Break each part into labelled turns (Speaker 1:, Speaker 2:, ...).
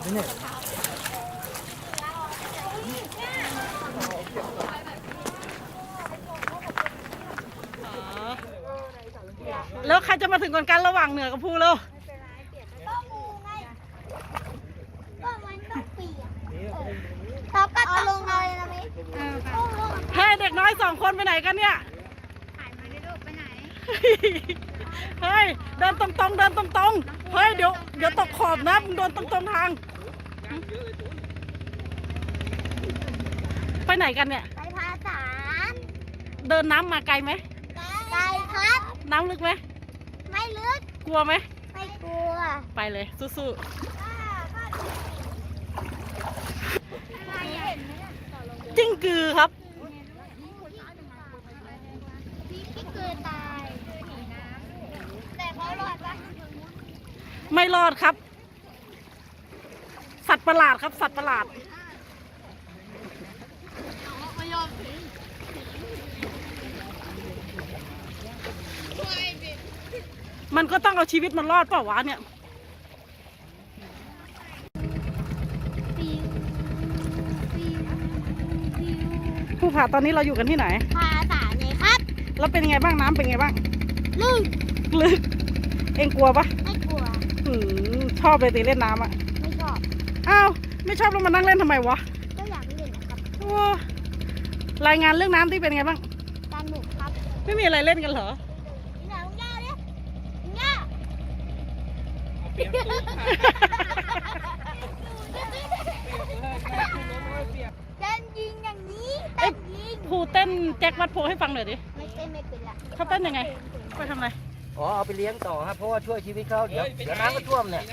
Speaker 1: เนี่ย
Speaker 2: แล้วใครจะมาถึงก่อนกันระหว่างเหนือกับภูเรา
Speaker 3: เขาก็เอาลงเลยนะมิ
Speaker 2: เฮ้ยเด็กน้อย2 คนไปไหนกันเนี่ย
Speaker 3: ถ่ายมาได้ลูกไปไหน
Speaker 2: เฮ้ยเดินตรงๆเดินตรงๆเฮ้ยเดี๋ยวตกขอบนะมึงเดินตรงๆทางไปไหนกันเนี่ย
Speaker 3: ไปภาษา
Speaker 2: เดินน้ำมาไกลไหม
Speaker 3: ไกลครับ
Speaker 2: น้ำลึกไหม
Speaker 3: ไม่ลึก
Speaker 2: กลัวไหม
Speaker 3: ไม่กลัว
Speaker 2: ไปเลยสู้ๆจิ้งกือครับ
Speaker 3: พี่เกิดตายแต่เขารอดปะ
Speaker 2: ไม่รอดครับ สัตว์ประหลาดครับสัตว์ประหลาดมันก็ต้องเอาชีวิตมันรอดเปล่าวะเนี่ยผู้ผ่าตอนนี้เราอยู่กันที่ไหน
Speaker 3: ภาษาไงครับ
Speaker 2: แล้วเป็นยังไงบ้างน้ำเป็นไงบ้าง
Speaker 3: ลึก
Speaker 2: เอ็งกลัวปะ
Speaker 3: ไม่กลัว
Speaker 2: ชอบเลยตีเล่นน้ำอ่ะ
Speaker 3: ไม่ชอบ
Speaker 2: อ้าวไม่ชอบแล้วมานั่งเล่นทำไมวะ
Speaker 3: ก็อยากเล่นนะครับ
Speaker 2: รายงานเรื่องน้ำที่เป็นไงบ้าง
Speaker 3: สนุกครับ
Speaker 2: ไม่มีอะไรเล่นกันเหรอ
Speaker 3: เต้นยิงอย่างนี้เต้นยิง
Speaker 2: ครูเต้นแจ็ควัดโพให้ฟังหน่อยดิ
Speaker 3: ไม่เต้นไม่เป็นละ
Speaker 2: เขาเต้นยังไงไปทำอะไร
Speaker 1: อ๋อเอาไปเลี้ยงต่อครับเพราะว่าช่วยชีวิตเขาเดี๋ยวน้ำก็ท่วมเนี่ย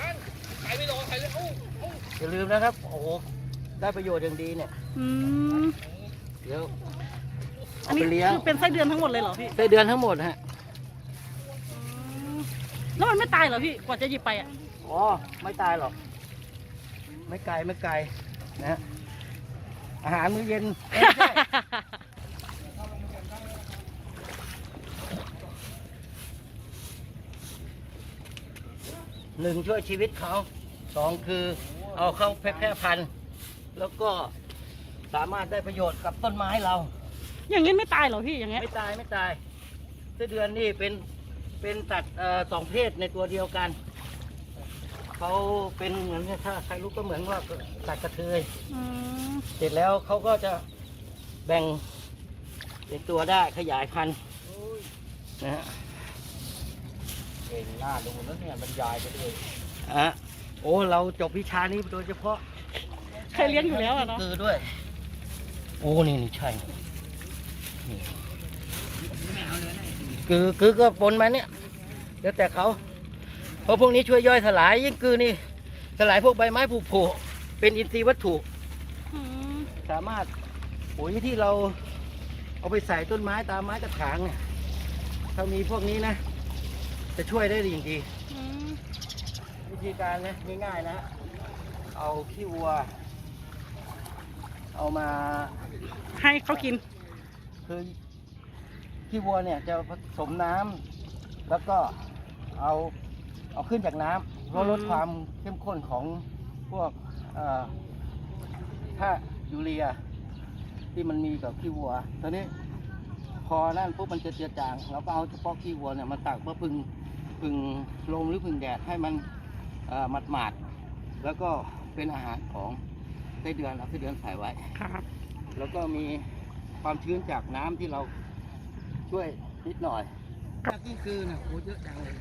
Speaker 1: อย่าลืมนะครับโอ้โหได้ประโยชน์อย่างดีเนี่ยเดี๋ยว
Speaker 2: อันนี้คือเป็นไส้เดือนทั้งหมดเลยเหรอพี่
Speaker 1: ไส้เดือนทั้งหมดฮะ
Speaker 2: แล้วมันไม่ตายเหรอพี่กว่าจะหยิบไปอ่ะ
Speaker 1: อ๋อไม่ตายหรอกไม่ไกลนะฮะอาหารมื้อเย็นหนึ่งช่วยชีวิตเขา2คือเอาเข้าแพร่พันธุ์แล้วก็สามารถได้ประโยชน์กับต้นไม้เรา
Speaker 2: อย่างนี้ไม่ตายเหรอพี่อย่างเงี้ย
Speaker 1: ไม่ตายไส้เดือนนี่เป็นสัตว์2 เพศในตัวเดียวกันเขาเป็นเหมือนถ้าใครรู้ก็เหมือนว่าสัตว์กระเทยเสร็จแล้วเขาก็จะแบ่งเป็นตัวได้ขยายพันธุ์นะฮะเองหน้าดูแล้วเนี่ยบรรยายไปเลยโอ้เราจบวิชานี้โดยเฉพาะ
Speaker 2: เคยเลี้ยงอยู่แล้วอะเนาะ
Speaker 1: คือด้วยโอ้นี่ใช่คือก็ปนมาเนี่ยเดี๋ยวแต่เขาเพราะพวกนี้ช่วยย่อยสลายยิ่งคือนี่สลายพวกใบไม้ผุผุเป็นอินทรีย์วัตถุสามารถปุ๋ยที่เราเอาไปใส่ต้นไม้ตามไม้กระถางเนี่ยถ้ามีพวกนี้นะจะช่วยได้ดีจริงวิธีการนะง่ายๆนะเอาขี้วัวเอามา
Speaker 2: ให้เขากิน
Speaker 1: คือขี้วัวเนี่ยจะผสมน้ำแล้วก็เอาขึ้นจากน้ำเพื่อลดความเข้มข้นของพวกถ้ายูเรียที่มันมีกับขี้วัวตอนนี้พอนั่นปุ๊บมันจะเจือจางเราก็เอาเฉพาะขี้วัวเนี่ยมาตักเพื่อพึ่งลมหรือพึ่งแดดให้มันหมาดแล้วก็เป็นอาหารของไส้เดือนเราไส้เดือนใส่ไว้
Speaker 2: ครับ
Speaker 1: แล้วก็มีความชื้นจากน้ำที่เราช่วยนิดหน่อยนี่คือนะโอ้เยอะจังเลย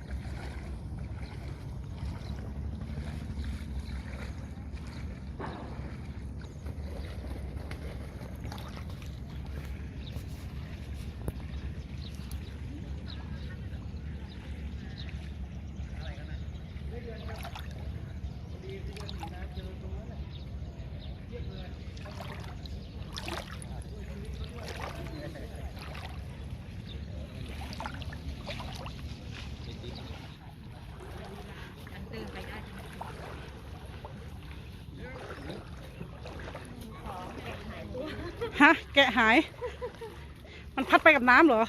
Speaker 2: ฮะแกะหายมันพัดไปกับน้ำเหรอ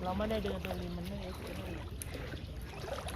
Speaker 2: เราไม่ได้เดินตัวริมมันไม่เอ็กซ์